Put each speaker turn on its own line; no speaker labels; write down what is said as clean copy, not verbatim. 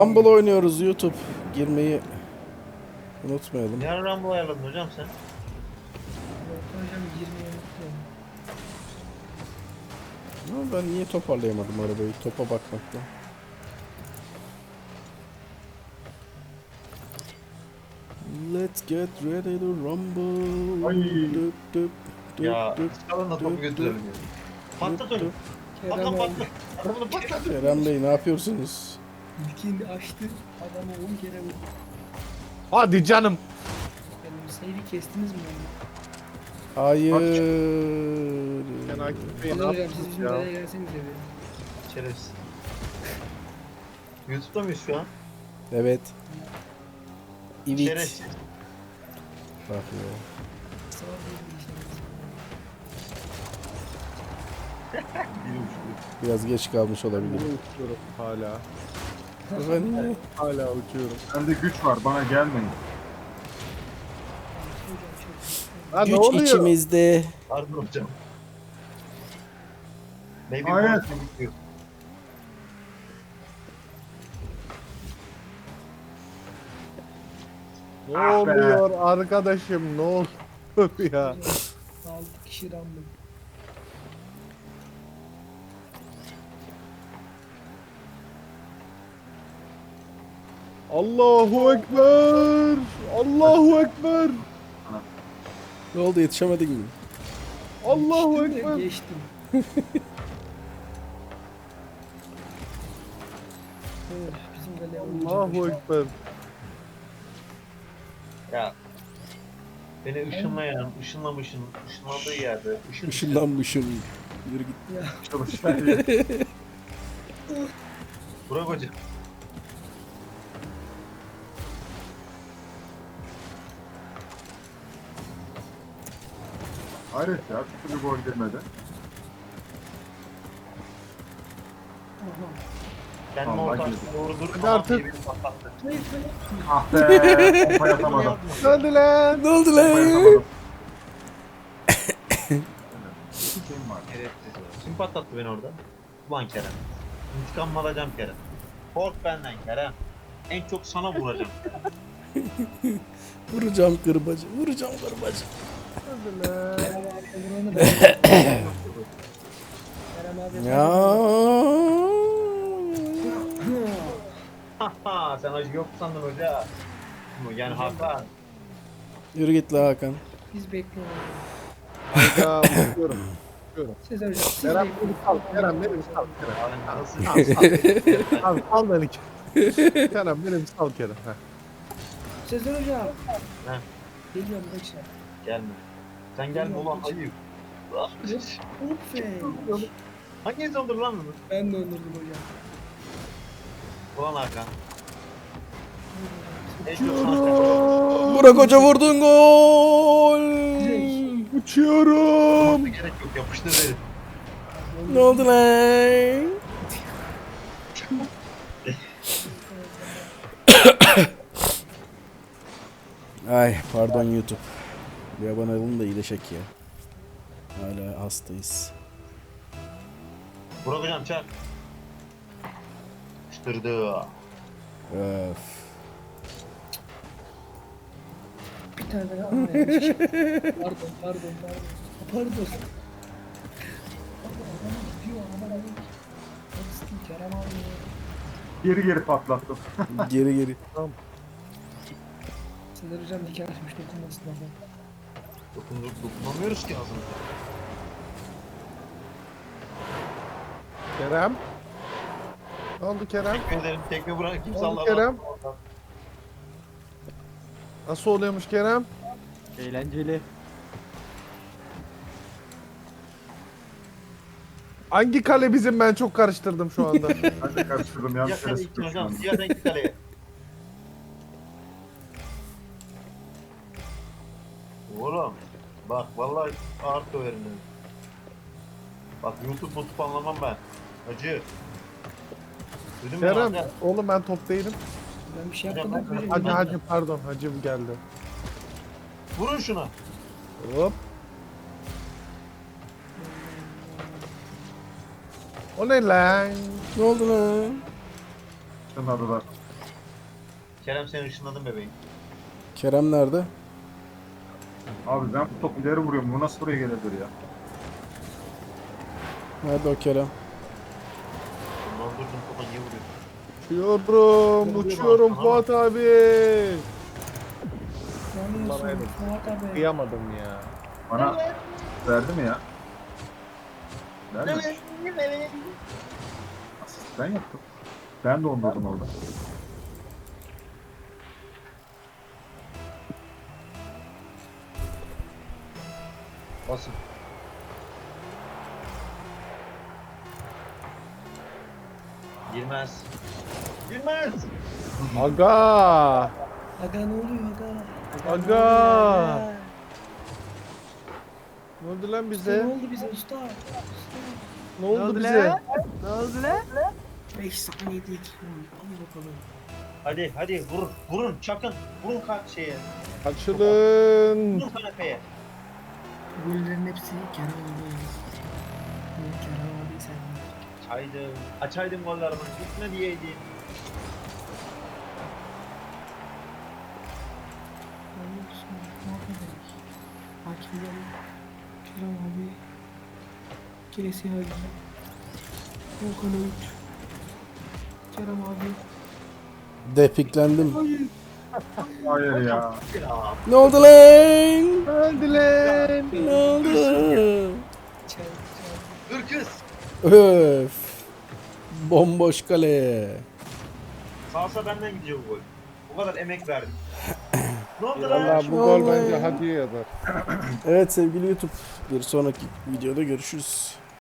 Rumble oynuyoruz YouTube. Girmeyi unutmayalım.
Ne ara Rumble ayarladın hocam sen?
Hocam 20'ye unuttum.
Ama ben niye toparlayamadım arabayı topa bakmakla. Let's get ready to rumble.
Ay.
Düp, düp, düp,
Ya
düp,
çıkalım da topu
düp,
götürelim
düp,
yani. Patlat onu.
düp.
Kerem
Patlat
abi
patlat. Arabanı patlat.
Kerem Bey ne yapıyorsunuz?
ilkini açtı. Adamı 10 kere vurdu.
Hadi canım.
Benim seyri kestiniz mi onu?
Hayır.
Sen Akif Bey ne
Hocam siz
yaptınız
bizim
ya?
nereye gelsenize bir.
Şerefsiz. YouTube'da mıyız şu an?
Evet. Evet.
Şerefsiz.
Bak ya.
Sağ olun,
Biraz geç kalmış olabilir.
Uçuyorum hala.
Efendim?
Hala uçuyorum.
Bende güç var, bana gelmeyin.
Ha, ne
Güç
oluyor?
içimizde.
Pardon hocam. Maybe
Hayır.
more than you.
Ne
Ah be.
oluyor arkadaşım? Ne oluyor ya?
6 kişi rambın.
Allahu Ekber! Allahu Ekber!
Ne oldu yetişemedin mi?
Allahu
Geçtim de
Ekber!
geçtim. Evet, bizim kaleye vurunca
Allahu
düştü.
Ekber!
Ya. Beni ışınlamışsın. Işınlandığı yerde.
Işınlanmışım. Yürü git.
Ya
Çalışlar.
Burak hocam.
Hayret ya, bir türlü gol girmedi.
Kendimi
Allah
ortadan
girdi.
doğru dur.
Hadi artık.
Beni patlattı.
hayır hayır.
Ah be, pompa yatamadım.
Hadi lan!
Ne oldu
Pompa
lan?
yatamadım. Şeyim var.
Şerefsiz. Kim patlattı beni orada? Ulan Kerem. İntikamımı alacağım Kerem. Kork benden Kerem. En çok sana vuracağım.
Vuracağım kırbacı. Vuracağım kırbacı.
Hadi lan!
Kerem abi vuranı ben. Kerem abi.
Ya.
Haha sen acı yok sandın hoca. Yani Hakan.
Yürü git la Hakan.
Biz bekliyoruz.
Hayda uçuyorum. Uçuyorum.
Sezer hocam siz
Kerem
bekleyin.
beni sal. Kerem beni sal. Kerem.
Abi nasıl?
Abi sal beni. Kerem beni sal Kerem. Heh.
Sezer hocam.
Heh.
Geliyorum kaçın.
Gelme. Sen gelme ulan ayıp.
Ufey.
Hangi insandır lan bunu?
Ben de öldürdüm hocam.
Ulan Hakan. En çok sana
Burak Hoca vurdun gol.
Uçuyorum!
gerek yok yapıştır derim.
Ne oldu lan? Ay pardon YouTube. Bir abone olun da iyileşek ya. Hala hastayız.
Burak hocam çak. Yapıştırdı.
Öf.
Bir tane daha anlayayım. Pardon. Pardon. Adam gidiyor ama hadi Kerem abi.
Geri geri patlattım.
Geri geri.
Sezer hocam diken açmış dokunmasın ama.
Dokunamıyoruz ki ağzını.
Kerem? Ne oldu Kerem?
Tekme ederim. Tekme bırak kimse
Oğlum
Allah'a
Kerem. Nasıl oluyormuş Kerem?
Eğlenceli.
Hangi kale bizim, ben çok karıştırdım şu anda.
Ben de karıştırdım, yanlış
Siyah
yere
sen
sıktım
iki
şu
hocam.
anda.
Siyah sen iki kaleye. Oğlum. Bak vallahi ağır döverim ben. Bak YouTube anlamam ben. Acı. Duydun mu
Kerem,
Hakan?
oğlum ben top değilim.
Ben bir şey
Hocam,
yapmadım.
ben-
Hocam.
Hacı pardon, hacım geldi.
Vurun şuna.
Hop. O ne lan?
Ne oldu lan?
Şunladılar.
Kerem seni ışınladım bebeğim.
Kerem nerede?
Abi ben bu top ileri vuruyorum. Bu nasıl buraya gelebilir ya?
Nerede o Kerem?
Dondurdum topa niye vuruyorsun?
Uçuyorum, uçuyorum Fuat abi.
Ne yapıyorsun
Bana
Fuat abi?
Kıyamadım ya.
Bana verdi mi ya? Verdi mi? Asist ben yaptım. Ben dondurdum orada.
Basın. Girmez. Girmez.
Aga.
Aga ne oluyor aga?
Aga. Ne oldu lan
Ne
bize?
oldu bize usta?
Ne oldu bize?
5 saniye değil. Hadi bakalım.
Hadi hadi vurun. Vurun çakın. Vurun şeye.
Açılın.
Vurun kanepeye.
Gollerin hepsi Kerem abi. Kerem abi sen.
Açaydım. Açaydım gollerimi. Gitme diyeydim.
Ne yapıyorsun? Ne yapıyorsun? Hakimler. Kerem abi. Kiresi abi. Volkan Öğüt. Kerem abi.
Depiklendim.
Hayır ya.
Ya.
Ne oldu lan?
Öldü lan.
Ne oldu?
Çay.
Dur kız.
Öf. Bomboş kale.
Salsa benden gidiyor bu gol. O kadar emek verdim. Ne oldu lan?
Valla bu gol bence hak yazar.
Evet sevgili YouTube. Bir sonraki videoda görüşürüz.